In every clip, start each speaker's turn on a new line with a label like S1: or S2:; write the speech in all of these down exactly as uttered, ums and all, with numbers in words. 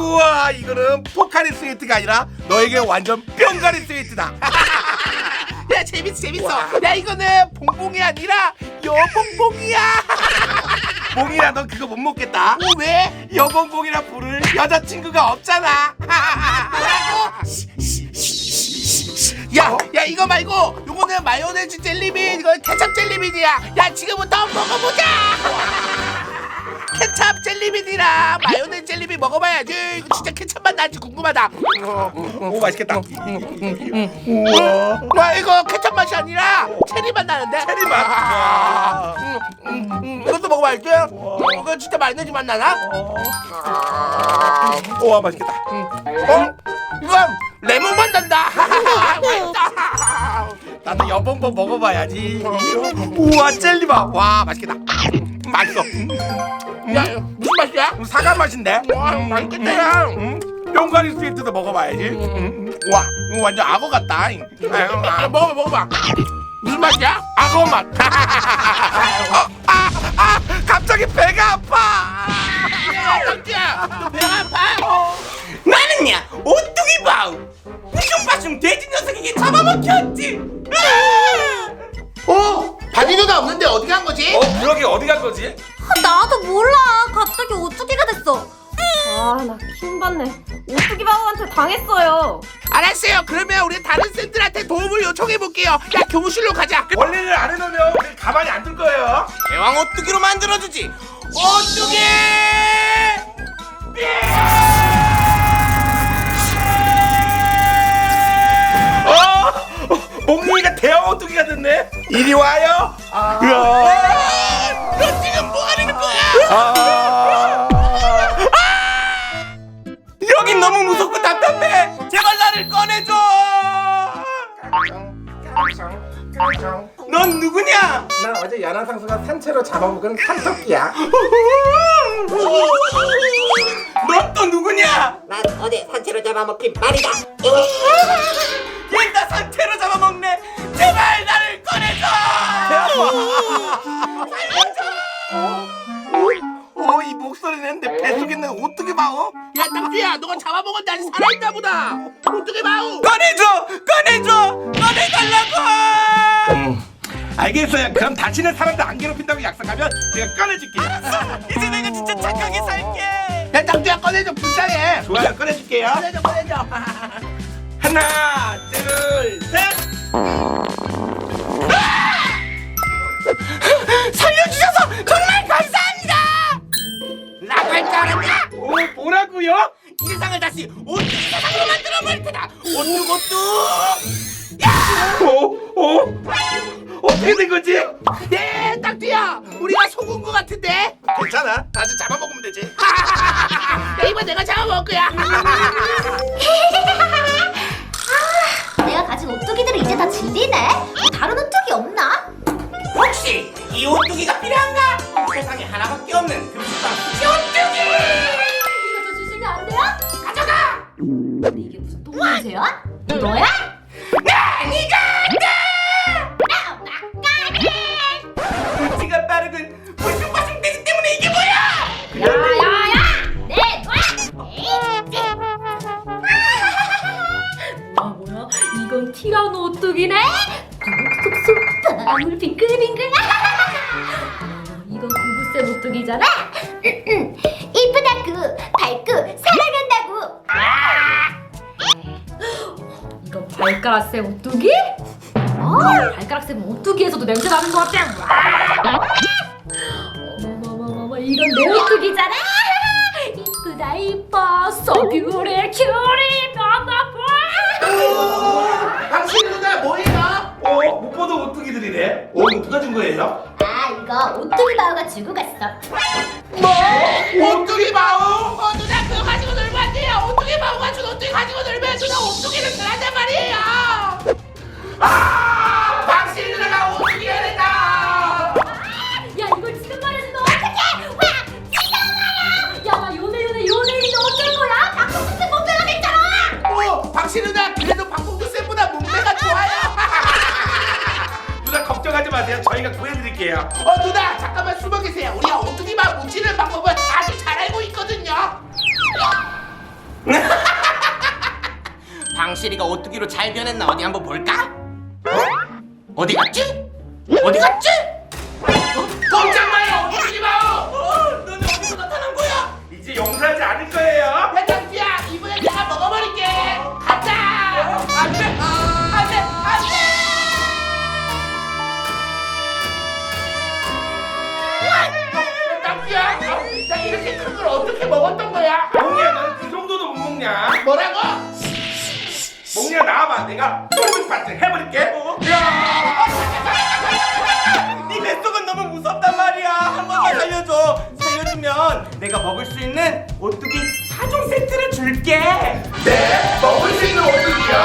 S1: 우와, 이거는 포카리 스웨트가 아니라 너에게 완전 뿅가리 스웨트다.
S2: 야, 재밌어 재밌어. 야, 이거는 봉봉이 아니라 여봉봉이야.
S1: 봉이야, 넌 그거 못 먹겠다.
S2: 어, 왜?
S1: 여봉봉이라 부를 여자친구가 없잖아.
S2: 야, 야, 이거 말고 요거는 마요네즈 젤리빈, 이거 케찹 젤리빈이야. 야, 지금부터 먹어보자. 케찹 젤리빈이랑 마요네즈 젤리빈 먹어봐야지. 이거 진짜 케찹 맛 나지 궁금하다.
S1: 오, 맛있겠다.
S2: 우와. 와, 이거 케찹 맛이 아니라 체리 맛 나는데?
S1: 체리 맛.
S2: 아, 음, 음, 음, 이것도 먹어봐야지. 이거 진짜 마요네즈 맛 나나?
S1: 우와, 맛있겠다.
S2: 어? 이건 레몬 맛 난다. 맛있다.
S1: 나도 여봉봉 먹어봐야지. 우와, 젤리맛. 와, 맛있겠다. 맛있어.
S2: 야, 무슨 맛이야?
S1: 사과 맛인데?
S2: 와, 맛있겠다, 야.
S1: 음, 뿅가리 스웨트도 먹어봐야지. 음, 와, 이거 완전 악어 같다. 아유,
S2: 아, 먹어봐, 먹어봐. 무슨 맛이야?
S1: 악어 맛. 어, 아, 아, 갑자기 배가 아파.
S2: 야, 덕지야, 너 배가 아파?
S3: 나는야 오뚜기 바우 뿌숑빠숑 돼지 녀석에게 잡아먹혔지.
S2: 어? 바디도가 없는데 어디 간 거지?
S1: 어, 그러게 어디 간 거지?
S4: 나도 몰라. 갑자기 오뚜기가 됐어. 아, 나 킹받네. 오뚜기 바보한테 당했어요.
S2: 알았어요. 그러면 우리 다른 쌤들한테 도움을 요청해 볼게요. 야, 교무실로 가자.
S1: 원래는 안 해놓으면 우리 가만히 안 둘 거예요.
S3: 대왕 오뚜기로 만들어주지. 오뚜기.
S1: 어, 몽둥이가 대형 오뚜기가 됐네. 이리 와요. 아,
S2: 너 지금 뭐 하는 거야?
S1: 아,
S3: 여긴 너무 무섭고 답답해. 제발 나를 꺼내줘. 넌 누구냐?
S1: 나 어제 연안상수가 산채로 잡아먹은 산토끼야.
S3: 넌 또 누구냐?
S5: 난 어제 산채로 잡아먹힌 말이다.
S3: 얘 나 상태로 잡아먹네. 제발 나를 꺼내줘.
S1: 어, 이 목소리는 내 뱃속에 있는 오뚜기 마오.
S2: 야, 덕지야, 너가 잡아먹었는데 아직 살아있나 보다. 어떻게 마우?
S3: 꺼내줘. 꺼내줘. 꺼내달라고.
S1: 음, 알겠어요. 그럼 다시는 사람들 안 괴롭힌다고 약속하면 제가 꺼내줄게요.
S3: 이제 내가 진짜 착하게 살게.
S2: 야, 덕지야, 꺼내줘. 불쌍해.
S1: 좋아요, 꺼내줄게요.
S2: 꺼내줘, 꺼내줘.
S1: 하나, 둘, 셋.
S3: 살려주셔서 정말 감사합니다.
S2: 라고 할 줄 알았냐?
S1: 오, 뭐라고요?
S3: 이 세상을 다시 오뚜기 세상으로 만들어 버릴 테다. 오뚜고뚜.
S1: 오, 오, 어떻게 된 거지?
S2: 네, 덕지야. 우리가 속은 거 같은데?
S1: 괜찮아. 다시 잡아먹으면 되지.
S2: 야, 이번 내가 잡아먹을 거야.
S4: 내가 가진 오뚜기들을 이제 다 질리네. 뭐 다른 오뚜기 없나?
S3: 혹시 이 오뚜기가 필요한가? 세상에 하나밖에 없는 금수방 오뚜기.
S4: 이거 좀 주시면 안 돼요?
S3: 가져가.
S4: 근데 이게 무슨 똥냄새야? 너야?
S3: 나 니가
S4: 나 막가지.
S3: 눈치가 빠르군. 불쑥불쑥 되기 때문에 이게 뭐야?
S4: 야야야! 내 놔! 뭐야 뭐야? 이건 티라노 오뚜기네? 쏙쏙 방울 빙글빙글. 어, 이건 구구쌤 오뚜기잖아. 이쁘다구 밝고 사랑한다구. 이건 발가락쌤 오뚜기? 아, 발가락쌤 오뚜기에서도 냄새 나는 것 같아. 어머머머머머, 이건 내 오뚜기잖아. 이쁘다 이뻐 so beautiful cutie 바바바.
S2: 당신 누나 뭐예요?
S1: 어, 못 보던 오뚜기들이네. 오, 이거 누가 준 거예요?
S4: 아, 이거 오뚜기 바우가 주고 갔어.
S2: 뭐? 오뚜기 마우? 어, 누나 그거 가지고 놀면 안 돼요. 오뚜기 마우가 준 오뚜기 가지고 놀면 누나 오뚜기를 잘한단 말이에요. 아! 당신 누나가 오뚜기가 됐다.
S4: 야, 이걸 지금 말해서 너 어떡해? 와, 지겨워요. 야, 나 요네 요네 요네인데 어쩔 거야? 박성준 못 빼가겠잖아.
S2: 어, 당신 누나 그래도 박봉두 쌤보다 몸매가 좋아요.
S1: 누나 걱정하지 마세요. 저희가 구해드릴게요.
S2: 어, 누나 잠깐만 숨어 계세요. 우리가 오뚜기 마우 뭉치는 방법을 아주 잘 알고 있거든요.
S3: 앙시리가 오뚜기로 잘 변했나 어디 한번 볼까? 어? 어디 갔지? 어디 갔지?
S2: 꼼짝 마요 오뚜기 마오.
S3: 어, 너는 어디서 나타난 거야?
S1: 이제 용서하지 않을 거예요.
S2: 야 짱지야 이번엔 내가 먹어버릴게. 가자. 안돼 안돼 안돼. 짱지야 나 이렇게 큰 걸 어떻게 먹었던 거야?
S1: 몽니야 너는 그 정도도 못 먹냐?
S2: 뭐라고?
S1: 몽니야 나와봐. 내가 쫄깃 파트 해버릴게.
S3: 네 뱃속은 너무 무섭단 말이야. 한 번만 살려줘. 살려주면 내가 먹을 수 있는 오뚜기 사 종 세트를 줄게.
S1: 네? 먹을 수 있는 오뚜기요?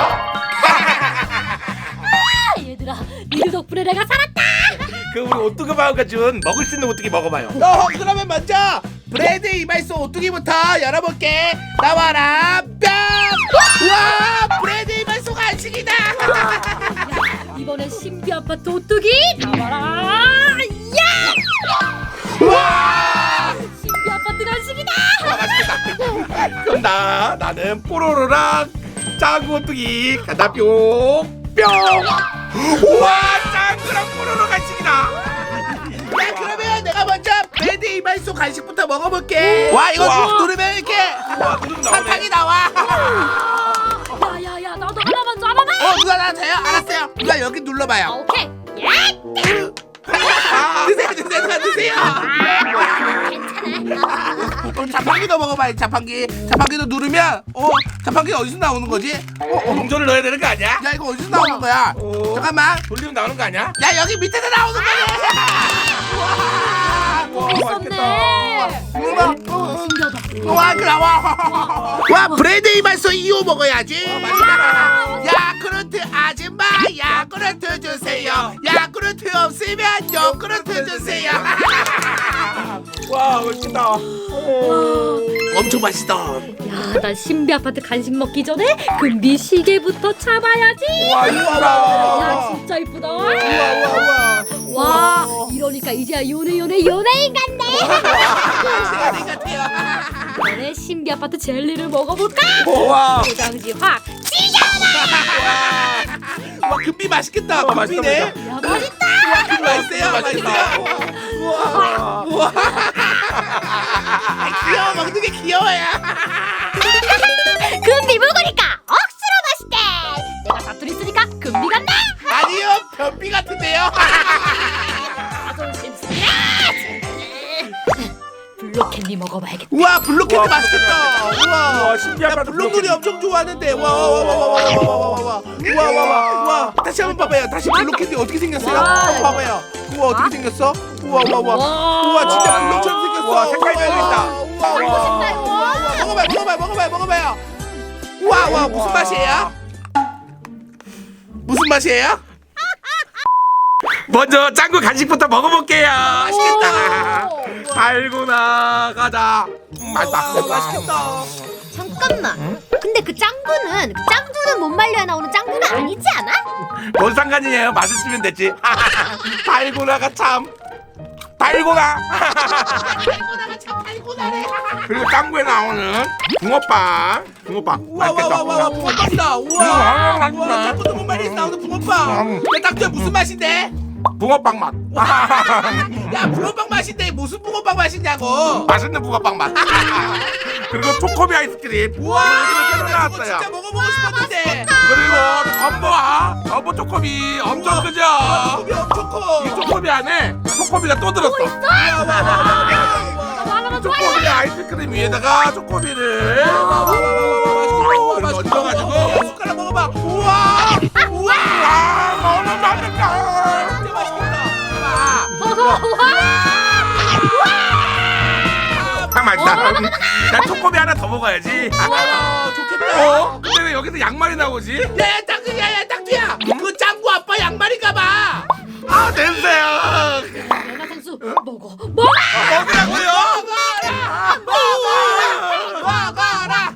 S4: 아, 얘들아, 니들 덕분에 내가 살았다.
S1: 그 우리 오뚜기 마우가 준 먹을 수 있는 오뚜기 먹어봐요.
S2: 어, 그러면 먼저 브레드 이발소 오뚜기부터 열어볼게. 나와라 뿅! 와 브레드 이발소 간식이다.
S4: 이번엔 신비 아파트 오뚜기 나와라. 야!
S2: 와
S4: 신비 아파트 간식이다.
S1: 그럼 나 나는 뽀로로랑 짱구 오뚜기 가다 뿅 뿅. 우와 짱구랑 뽀로로 간식이다.
S2: 야 그러면 내가 먼저 브레드 이발소 간식부터 먹어볼게. 와 이거
S1: 와.
S2: 누르면 이렇게
S1: 우와 누르면
S2: 사탕이
S1: 나오네.
S2: 나와.
S4: 야야야, 나도 하나만 줘봐봐.
S2: 어 누가 나 돼요? 알았어요. 누가 여기
S4: 아,
S2: 눌러봐요.
S4: 오케이. 야!
S2: 드세요 드세요 누가 드세요.
S4: 괜찮아.
S2: 그럼 자판기도 먹어봐요. 자판기 자판기도 누르면 어 자판기 어디서 나오는 거지?
S1: 어, 동전을 넣어야 되는 거 아니야?
S2: 야 이거 어디서 나오는 거야?
S1: 어.
S2: 잠깐만.
S1: 돌리면 나오는 거 아니야?
S2: 야 여기 밑에서 나오는 거네.
S4: 있었네.
S2: 우와
S4: 신기하다.
S2: 와 그래 와. 와 브레드 이발소 이호 먹어야지.
S1: 맛있다.
S2: 야쿠르트 아줌마 야쿠르트 주세요. 야쿠르트 없으면 요구르트 주세요.
S1: 와 멋있다.
S2: 엄청 맛있다.
S4: 야, 나 신비 아파트 간식 먹기 전에 금비 시계부터 잡아야지.
S1: 와
S4: 야,
S1: 이쁘다.
S4: 진짜 이쁘다.
S2: 우와 우와 우와.
S4: 와, 이러니까 이제야 요네 요네 요네인 같네.
S2: 시간이 같아요.
S4: 이번에 신비 아파트 젤리를 먹어볼까?
S1: 와.
S4: 포장지 확.
S2: 와 금비 맛있겠다.
S1: 와, 맛있다,
S2: 금비네.
S4: 야, 맛있다.
S2: 금비 맛있어요. 맛있어요.
S1: 우와.
S2: 우와. 귀여워 먹는 게 귀여워요.
S4: 금비 먹으니까 억수로 맛있대. 내가 사투리 쓰니까 금비 같나?
S2: 아니요 변비 같은데요.
S4: 자존심 상해. 블루캔디 먹어봐야겠다.
S2: 우와 블루캔디
S1: 우와,
S2: 맛있겠다. 우와.
S1: 우와, 신기하다,
S2: 야, 블루놀이
S1: 블루캔디.
S2: 엄청 좋아하는데. 와와와와와와와와와. 우와와와. 다시 한번 봐봐요. 다시 블루캔디 어떻게 생겼어요?
S4: 와.
S2: 한번 봐봐요. 우와 어떻게 생겼어? 우와와와.
S4: 와.
S2: 우와 진짜 블루처럼 생겼어.
S1: 우와, 색깔 변했다.
S2: 우와
S4: 먹고
S2: 우와.
S4: 싶다, 이거.
S2: 우와, 우와. 먹어봐요 먹어봐요 먹어봐요 먹어봐요. 우와 우와 무슨
S1: 우와.
S2: 맛이에요? 무슨 맛이에요?
S1: 먼저 짱구 간식부터 먹어볼게요.
S2: 맛있겠다.
S1: 달고 나가자. 음, 맛있다.
S2: 우와, 맛있겠다.
S4: 잠깐만. 근데 그 짱구는 그 짱구는 못 말려야 나오는 짱구가 아니지 않아?
S1: 뭔 상관이에요? 맛을 쓰면 됐지. 달고나가 참 달고나.
S2: 달고나가 참 달고나네.
S1: 그리고 짱구에 나오는 붕어빵. 붕어빵 맛있겠다.
S2: 우와와와와 붕어빵이다.
S1: 우와,
S2: 우와.
S1: 맛있네.
S2: 우와 짱구도 못 말리서 나오는 붕어빵.
S1: 음.
S2: 야 딱지야 무슨 맛인데?
S1: 붕어빵 맛.
S2: 야 붕어빵 맛인데 무슨 붕어빵 맛이냐고.
S1: 맛있는 붕어빵 맛. 그리고 초코비 아이스크림.
S2: 우와
S1: 이거 새로
S2: 나 그거
S1: 나왔어요.
S2: 진짜 먹어보고 싶었는데.
S1: 그리고 덤보아. 덤보 초코비 엄청 크죠?
S2: 초코비 엄청
S1: 이
S2: 커.
S1: 초코비 안에 초코비가 또 들었어.
S4: 나도 하나만 좋아해.
S1: 초코비 아이스크림 위에다가 초코비를 이렇게 얹어가지고
S2: 숟가락 먹어봐. 우와. 우와.
S1: 아 너무 맛있다.
S2: 진짜 맛있겠다.
S1: 참 맛있다. 나 초코비 하나 더 먹어야지.
S2: 와 좋겠다.
S1: 어? 근데 왜 여기서 양말이 나오지?
S2: 야야 딱지 야야 딱지야. 그 짱구 아빠 양말인가 봐.
S1: 아 냄새야.
S4: 내가 선수 먹어. 먹어.
S1: 먹으라고요?
S2: 먹어라.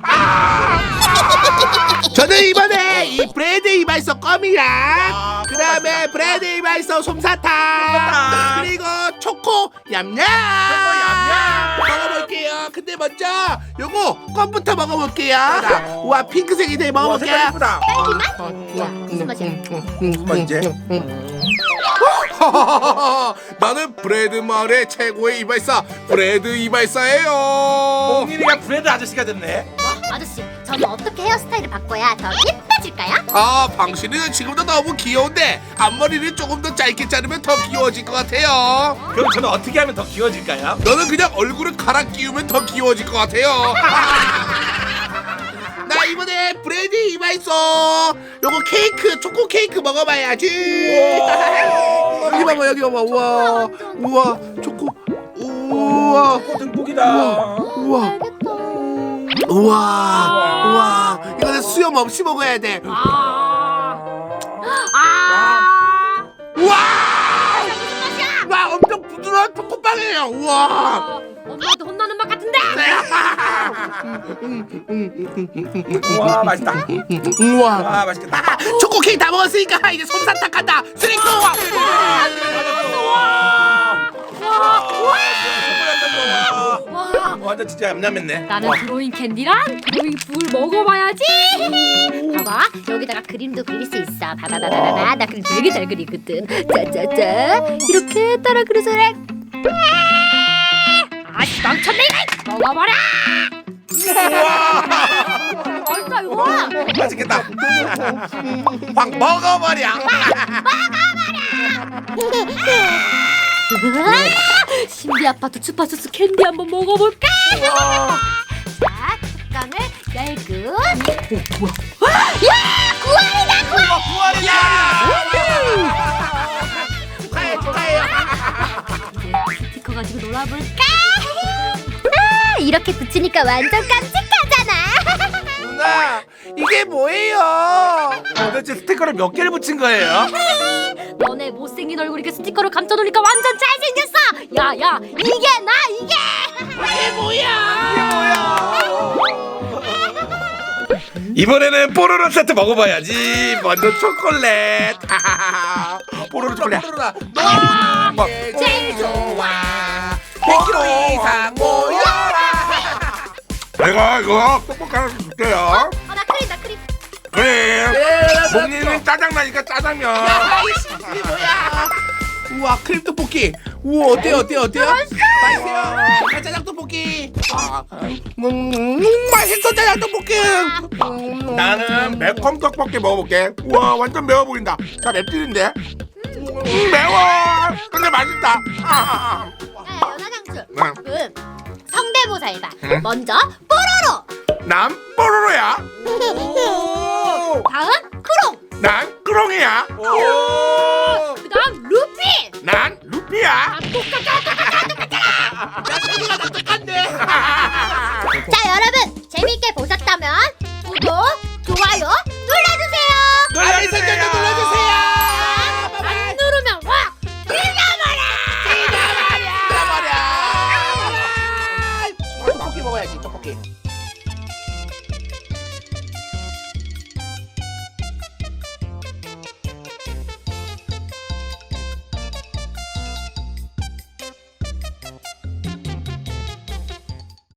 S2: 저는 이번에 이 브레드 이발소 껌이랑 그 다음에 브레드 이발소 솜사탕
S1: 솜사탕.
S2: 그리고 초코 얌얌 먹어볼게요. 근데 먼저 요거 껌부터 먹어볼게요. 자, 우와 핑크색이 되게 먹어볼게요.
S1: 색깔 이쁘다.
S4: 딸기 맛?
S2: 어,
S4: 야, 무슨 맛이야?
S1: 뭔지?
S2: 나는 브레드 마을의 최고의 이발사 브레드 이발사예요.
S1: 홍일이가 브레드 아저씨가 됐네.
S4: 아저씨, 저는 어떻게 헤어스타일을 바꿔야 더 예뻐질까요?
S2: 아, 방실이는 지금도 너무 귀여운데 앞머리를 조금 더 짧게 자르면 더 귀여워질 것 같아요.
S1: 그럼 저는 어떻게 하면 더 귀여워질까요?
S2: 너는 그냥 얼굴을 갈아 끼우면 더 귀여워질 것 같아요. 나 이번에 브레드 이발소 요거 케이크 초코 케이크 먹어봐야지. 여기 봐봐 여기 봐봐. 우와 우와 초코 우와
S1: 등복이다.
S2: 우와
S4: 알겠다.
S2: 우와 우와 이거는 수염 없이 먹어야 돼.
S4: 아, 아,
S2: 우와
S4: 무슨 맛이야?
S2: 와 엄청 부드러운 초코빵이에요. 우와
S4: 아, 엄마한테 혼나는 맛 같은데?
S1: 와 맛있다.
S2: 우와
S1: 와 맛있겠다.
S2: 초코 케이크 다 먹었으니까 이제 솜사탕 간다. 쓰리코
S4: 와,
S1: 완전 진짜 얌얌했네.
S4: 나는 드로잉 캔디랑 드로잉 풀 먹어봐야지. 봐봐, 여기다가 그림도 그릴 수 있어. 봐봐봐봐봐, 나 그림 되게 잘 그리거든. 짜짜짜, 이렇게 따라 그려서래. 아씨, 망쳤네 이거. 먹어봐라. 맛있다 이거.
S1: 맛있겠다. 확 먹어버려.
S4: 신비 아파트 주파수스 캔디 한번 먹어볼까? 자, 뚜껑을 열고. 야, 구알이다 구알.
S1: 구원이다.
S2: 축하해 축하해.
S4: 스티커 가지고 놀아볼까? 아, 이렇게 붙이니까 완전 깜찍하잖아.
S2: 누나 이게 뭐예요?
S1: 도대체 스티커를 몇 개를 붙인 거예요?
S4: 너네 못생긴 얼굴 이렇게 스티커를 감춰놓으니까 완전 잘생겼어. 야야, 이게 나 이게.
S2: 이게 뭐야?
S1: 이번에는 뽀로로 세트 먹어봐야지. 먼저 초콜릿. 뽀로로 초콜릿.
S2: 뽀로로다.
S1: 뭐.
S4: 제일 좋아.
S2: 백 킬로그램 이상 모여라.
S1: 내가 이거 뻑뻑 하나 줄게요.
S4: 어, 나 크림 나 크림.
S1: 그래.
S2: 네,
S1: 목님은 짜장 나니까 짜장면.
S2: 아이씨 이게 뭐야? 우와 크림 떡볶이. 우와 어때요 어때요 어때요? 맛있어요. 아, 짜장 떡볶이. 아, 음, 음, 맛있어 짜장 떡볶이. 음,
S1: 나는 매콤 떡볶이 먹어볼게. 우와 완전 매워 보인다. 자 맵찔인데. 음, 매워. 근데 맛있다. 아,
S4: 야, 연하장수.
S1: 아.
S4: 응. 성대모사 해봐.
S1: 응?
S4: 먼저 뽀로로.
S1: 난 뽀로로야.
S4: 다음 크롱.
S1: 난 크롱이야.